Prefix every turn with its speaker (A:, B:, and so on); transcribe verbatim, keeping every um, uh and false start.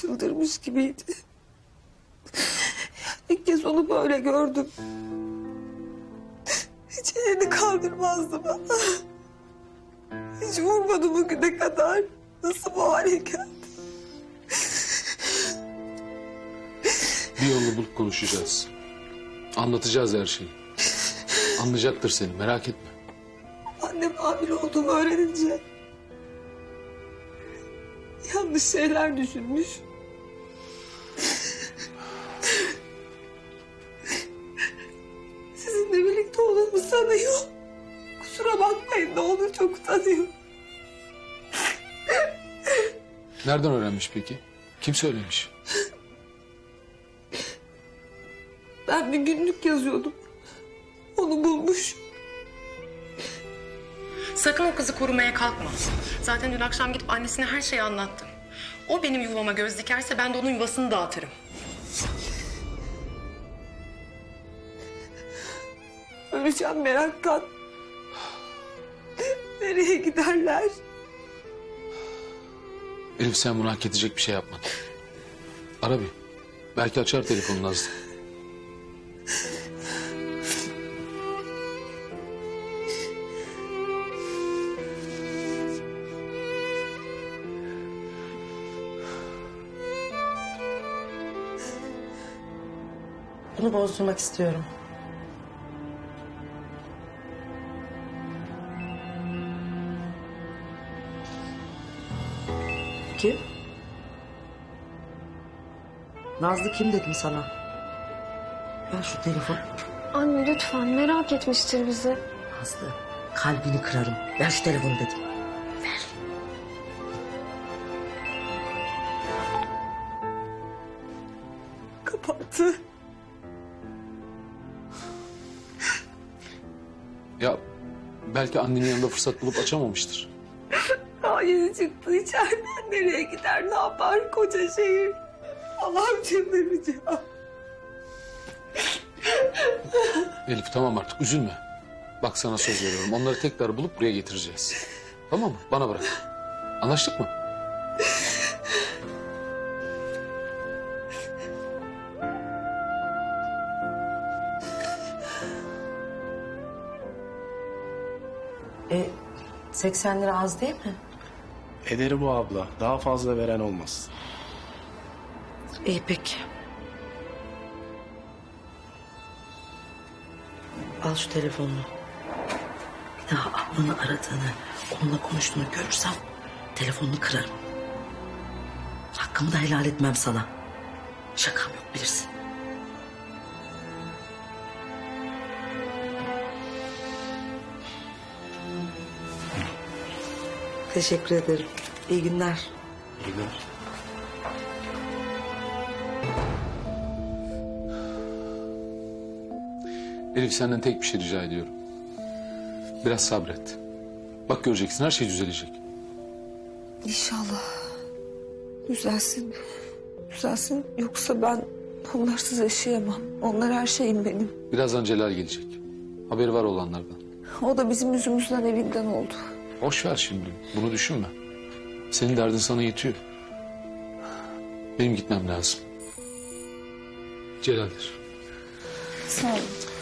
A: çıldırmış gibiydi. İlk kez onu böyle gördüm. Hiç elini kaldırmazdı bana. Hiç vurmadı bugüne kadar. Nasıl bu hale geldi?
B: Bir yolunu bulup konuşacağız. Anlatacağız her şeyi. Anlayacaktır seni, merak etme.
A: Annem hamile olduğumu öğrenince yanlış şeyler düşünmüş. Sizinle birlikte olduğumu sanıyor. Kusura bakmayın, ne olur, çok utanıyorum.
B: Nereden öğrenmiş peki? Kim söylemiş?
A: Ben bir günlük yazıyordum. Onu bulmuş.
C: Sakın o kızı korumaya kalkma. Zaten dün akşam gidip annesine her şeyi anlattım. O benim yuvama göz dikerse ben de onun yuvasını dağıtırım.
A: Öleceğim meraktan. Nereye giderler?
B: Elif, sen bunu hak edecek bir şey yapmadın. Ara bir. Belki açar telefonunu Nazlı.
D: Bunu bozdurmak istiyorum. Kim? Nazlı kim dedim sana? Ver şu telefonu.
E: Anne lütfen, merak etmiştir bizi.
D: Nazlı, kalbini kırarım. Ver şu telefonu dedim.
A: Kapattı.
B: Ya belki annenin yanında fırsat bulup açamamıştır.
A: Daha yeni çıktı içeriden. Nereye gider, ne yapar koca şehir? Allah'ım, çıldıracağım.
B: Elif, tamam artık, üzülme. Bak, sana söz veriyorum. Onları tekrar bulup buraya getireceğiz. Tamam mı? Bana bırak. Anlaştık mı?
D: E, seksen lira az değil mi?
F: Ederi bu abla. Daha fazla veren olmaz.
D: İyi peki. Al şu telefonunu. Bir daha ablanı aradığını, onunla konuştuğunu görürsem telefonunu kırarım. Hakkımı da helal etmem sana. Şakam yok, bilirsin. Teşekkür ederim. İyi günler.
F: İyi günler.
B: Elif, senden tek bir şey rica ediyorum. Biraz sabret. Bak, göreceksin, her şey düzelecek.
A: İnşallah. Düzelsin. Düzelsin. Yoksa ben onlarsız yaşayamam. Onlar her şeyim benim.
B: Birazdan Celal gelecek. Haberi var olanlardan.
A: O da bizim yüzümüzden evinden oldu.
B: Boş ver şimdi. Bunu düşünme. Senin derdin sana yetiyor. Benim gitmem lazım. Celal'dir.
A: Sağ olun.